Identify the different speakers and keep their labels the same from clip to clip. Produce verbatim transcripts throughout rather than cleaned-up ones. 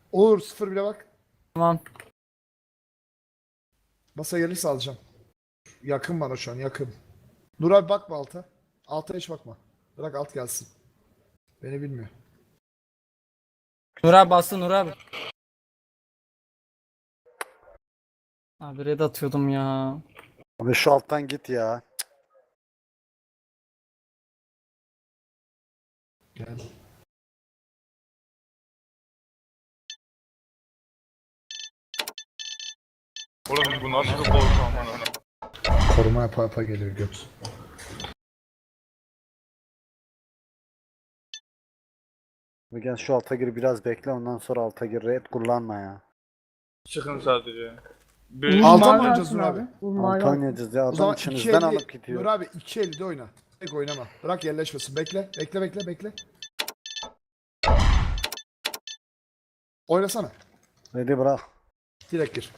Speaker 1: Uğur sıfır bile bak.
Speaker 2: Tamam.
Speaker 1: Masa gelirse alacağım. Yakın bana şu an yakın. Nur abi bakma alta. Alta hiç bakma. Bırak alt gelsin. Beni bilmiyor.
Speaker 2: Nur abi bastı Nur abi. Abi red atıyordum ya.
Speaker 3: Abi şu alttan git ya.
Speaker 1: Gel.
Speaker 4: Oğlum bu nasıl bir korku aman.
Speaker 1: Koruma yapa yapa geliyor göt.
Speaker 3: Ve gel şu alta gir biraz bekle ondan sonra alta gir. Red kullanma ya.
Speaker 4: Çıkın sadece.
Speaker 5: Uğur
Speaker 4: Bir
Speaker 1: Alta mı
Speaker 5: mavi
Speaker 1: oynayacağız
Speaker 5: alsın
Speaker 1: Nur abi?
Speaker 5: Uğur mavi
Speaker 3: Alta
Speaker 5: alsın.
Speaker 3: oynayacağız ya.
Speaker 1: O
Speaker 3: Adam
Speaker 1: zaman iki
Speaker 3: içimizden alıp
Speaker 1: elli
Speaker 3: gidiyor.
Speaker 1: Nur abi iki ellide oyna. Tek oynama. Bırak yerleşmesin. Bekle. Bekle bekle bekle. Oynasana.
Speaker 3: Red'i bırak.
Speaker 1: Direkt gir.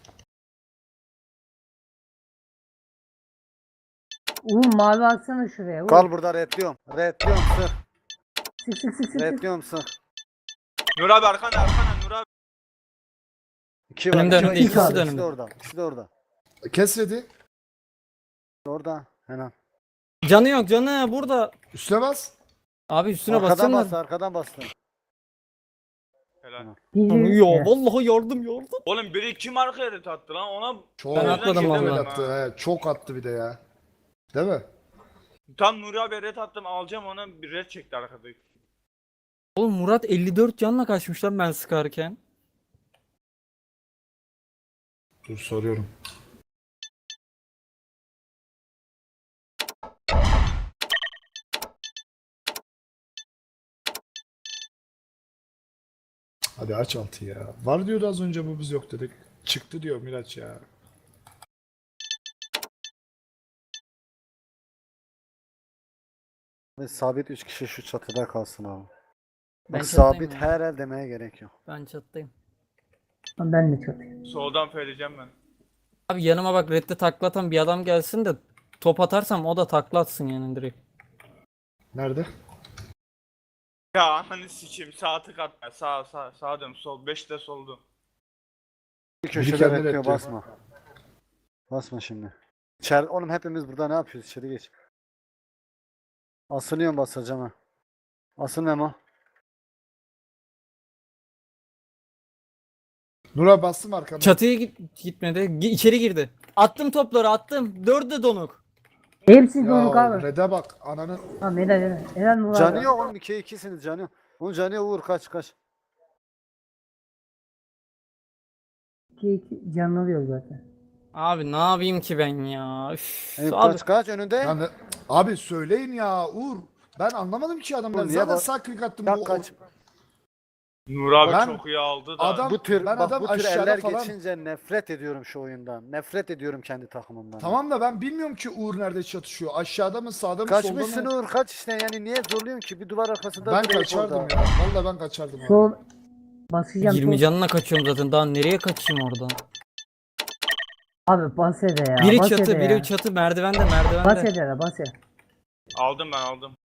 Speaker 5: Uğur mavi alsana şuraya. Uğur.
Speaker 3: Kal burada redliyorum. Redliyorum sık.
Speaker 5: Sık sık sık sık. sık.
Speaker 3: Redliyorum sık.
Speaker 4: Nur abi arkanda arkanda Nur abi.
Speaker 3: İki var.
Speaker 2: Önümde,
Speaker 3: iki var,
Speaker 2: önümde,
Speaker 3: ikisi
Speaker 5: ikisi
Speaker 3: de
Speaker 5: de
Speaker 3: orada. İkisi
Speaker 2: önümde.
Speaker 3: de orada. İkisi de orada.
Speaker 1: Kes ready.
Speaker 3: Orada. Hemen.
Speaker 2: Canı yok canı burada.
Speaker 1: Üstüne bas.
Speaker 2: Abi üstüne
Speaker 3: Arkadan
Speaker 2: bassana.
Speaker 3: bastı. Arkadan bastı.
Speaker 4: Helal.
Speaker 5: Geliyor.
Speaker 2: Yo
Speaker 5: Evet.
Speaker 2: vallahi yardım yardım.
Speaker 4: Oğlum biri kim arkaya ret attı lan ona
Speaker 1: Çok
Speaker 2: Ben atladım
Speaker 1: çok
Speaker 2: vallahi.
Speaker 1: attı. He, çok attı bir de ya. Değil mi?
Speaker 4: tam Nuri abi ret attım alacağım ona bir ret çekti arkada.
Speaker 2: Oğlum Murat elli dört canla kaçmış lan ben sıkarken.
Speaker 1: Dur soruyorum. Hadi aç altı ya. Var diyordu az önce bu biz yok dedik. Çıktı diyor Miraç ya.
Speaker 3: Ve sabit üç kişi şu çatıda kalsın abi.
Speaker 2: Ben
Speaker 3: Bak
Speaker 2: çattayım
Speaker 3: sabit
Speaker 2: ya.
Speaker 3: her el demeye gerek yok.
Speaker 2: Ben çattayım.
Speaker 5: Ben de çok.
Speaker 4: Soldan feyleyeceğim ben.
Speaker 2: Abi yanıma bak redde taklatan bir adam gelsin de top atarsam o da taklatsın yani direkt.
Speaker 1: Nerede?
Speaker 4: Ya hani sikeyim sağ tık atma sağ sağ sağ dön sol beş de soldu.
Speaker 3: Bir
Speaker 1: Biri
Speaker 3: köşede
Speaker 1: kendini
Speaker 3: bekliyor
Speaker 1: reddiyor.
Speaker 3: basma. Basma şimdi. İçer oğlum hepimiz burada ne yapıyoruz? İçeri geç. Asılıyorum basacağım ha. Asıl Memo.
Speaker 1: Nura bastım arkamda.
Speaker 2: Çatıya git gitmedi. Gi- içeri girdi. Attım topları attım. Dördü de donuk.
Speaker 5: Hepsi
Speaker 1: Ya
Speaker 5: donuk abi.
Speaker 1: Red'e bak ananın.
Speaker 5: Tamam helal helal. Helal Nur abi.
Speaker 3: Canı yok oğlum ikiye ikisiniz canı yok. Oğlum canı yok vur kaç kaç.
Speaker 5: İki iki canlı alıyor zaten.
Speaker 2: Abi ne yapayım ki ben ya? Üf,
Speaker 3: Eyüp
Speaker 2: abi
Speaker 3: kaç kaç önünde.
Speaker 1: Ya ne- Abi söyleyin ya Uğur. Ben anlamadım ki adamları.
Speaker 3: Oğlum niye
Speaker 1: Zaten
Speaker 3: bak-
Speaker 1: sağ klik attım.
Speaker 3: Ya
Speaker 1: bu-
Speaker 3: kaç.
Speaker 4: Nur abi
Speaker 1: Ben-
Speaker 4: çok iyi aldı da.
Speaker 1: Adam-
Speaker 3: Bu tür
Speaker 1: ben
Speaker 3: bak
Speaker 1: adam
Speaker 3: bu tür
Speaker 1: aşağıda
Speaker 3: eller
Speaker 1: falan-
Speaker 3: geçince nefret ediyorum şu oyundan. Nefret ediyorum kendi takımımdan.
Speaker 1: Tamam da ben bilmiyorum ki Uğur nerede çatışıyor. Aşağıda mı sağda mı solda
Speaker 3: Kaçmışsın
Speaker 1: mı?
Speaker 3: Uğur kaç işte yani niye zorluyorsun ki bir duvar arkasında
Speaker 1: Ben
Speaker 3: duruyor
Speaker 1: kaçardım
Speaker 3: orada.
Speaker 1: ya. Vallahi ben kaçardım. abi.
Speaker 5: Sol basacağım.
Speaker 2: yirmi
Speaker 5: sol.
Speaker 2: canına kaçıyorum zaten. Daha nereye kaçayım oradan?
Speaker 5: Abi bas ede ya.
Speaker 2: Biri
Speaker 5: bas
Speaker 2: çatı,
Speaker 5: ede
Speaker 2: biri
Speaker 5: ya.
Speaker 2: çatı merdivende
Speaker 5: Bas
Speaker 2: merdivende.
Speaker 5: ede la bas ede.
Speaker 4: Aldım ben aldım.